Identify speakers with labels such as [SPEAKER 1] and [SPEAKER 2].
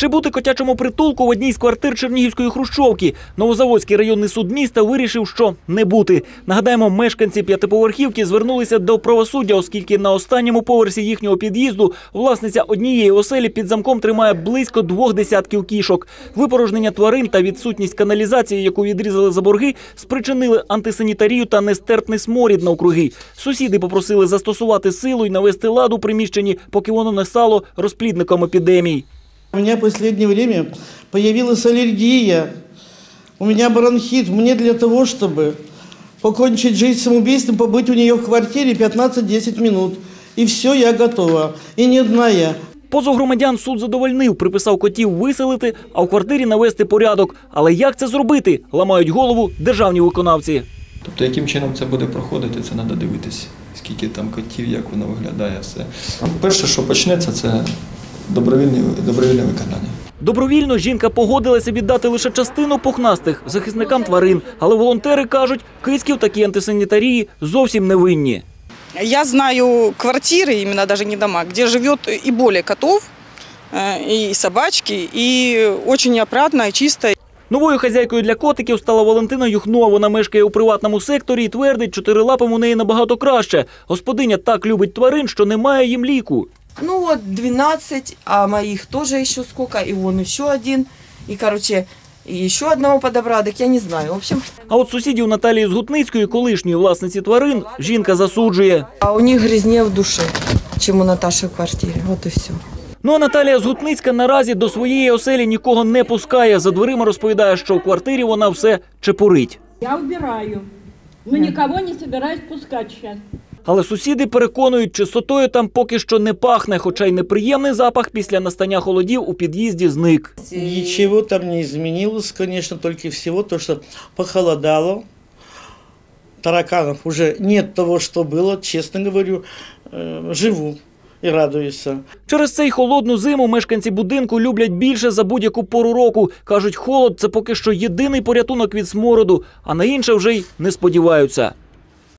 [SPEAKER 1] Чи бути котячому притулку в одній з квартир Чернігівської хрущовки? Новозаводський районний суд міста вирішив, що не бути. Нагадаємо, мешканці п'ятиповерхівки звернулися до правосуддя, оскільки на останньому поверсі їхнього під'їзду власниця однієї оселі під замком тримає близько 2 десятків кішок. Випорожнення тварин та відсутність каналізації, яку відрізали за борги, спричинили антисанітарію та нестерпний сморід навкруги. Сусіди попросили застосувати силу і навести лад у приміщенні, поки воно не стало розплідником епідемій.
[SPEAKER 2] У меня в последнее время появилась аллергия, у меня бронхит. Мне для того, чтобы покончить жизнь самоубийством, побыть у нее в квартире 15-10 минут. И все, я готова. И не одна я.
[SPEAKER 1] Позов громадян суд задовольнив, приписав котів виселити, а в квартирі навести порядок. Але як це зробити? Ламають голову державні виконавці.
[SPEAKER 3] Тобто, яким чином це буде проходити, це треба дивитися. Скільки там котів, як воно виглядає, все. Перше, що почнеться, це добровільне виконання.
[SPEAKER 1] Добровільно жінка погодилася віддати лише частину пухнастих захисникам тварин. Але волонтери кажуть, кицьки в такій антисанітарії зовсім не винні.
[SPEAKER 4] Я знаю квартиры, именно даже не дома, где живет и более котов, и собачки, и очень опрятно, и чисто.
[SPEAKER 1] Новою хазяйкою для котиків стала Валентина Юхнова. Вона мешкає у приватному секторі і твердить, чотирилапим у неї набагато краще. Господиня так любить тварин, що немає їм ліку.
[SPEAKER 5] Ну вот 12, а моих тоже еще сколько, и вон еще один, и короче, и еще одного подобрали, так я не знаю, в общем.
[SPEAKER 1] А от сусідів Наталії Згутницької, колишньої власниці тварин, жінка засуджує.
[SPEAKER 5] А у них грязнее в душе, чем у Наташи в квартире, вот и все.
[SPEAKER 1] Ну а Наталія Згутницька наразі до своєї оселі нікого не пускає. За дверима розповідає, що в квартирі вона все чепурить.
[SPEAKER 6] Я убираю, но никого не собираюсь пускать сейчас.
[SPEAKER 1] Але сусіди переконують, чистотою там поки що не пахне, хоча й неприємний запах після настання холодів у під'їзді зник.
[SPEAKER 2] Ничего там не изменилось, конечно, только всего то, что похолодало. Тараканов уже нет того, что было, честно говорю, живу і радуюся.
[SPEAKER 1] Через цей холодну зиму мешканці будинку люблять більше за будь-яку пору року. Кажуть, холод – це поки що єдиний порятунок від смороду, а на інше вже й не сподіваються.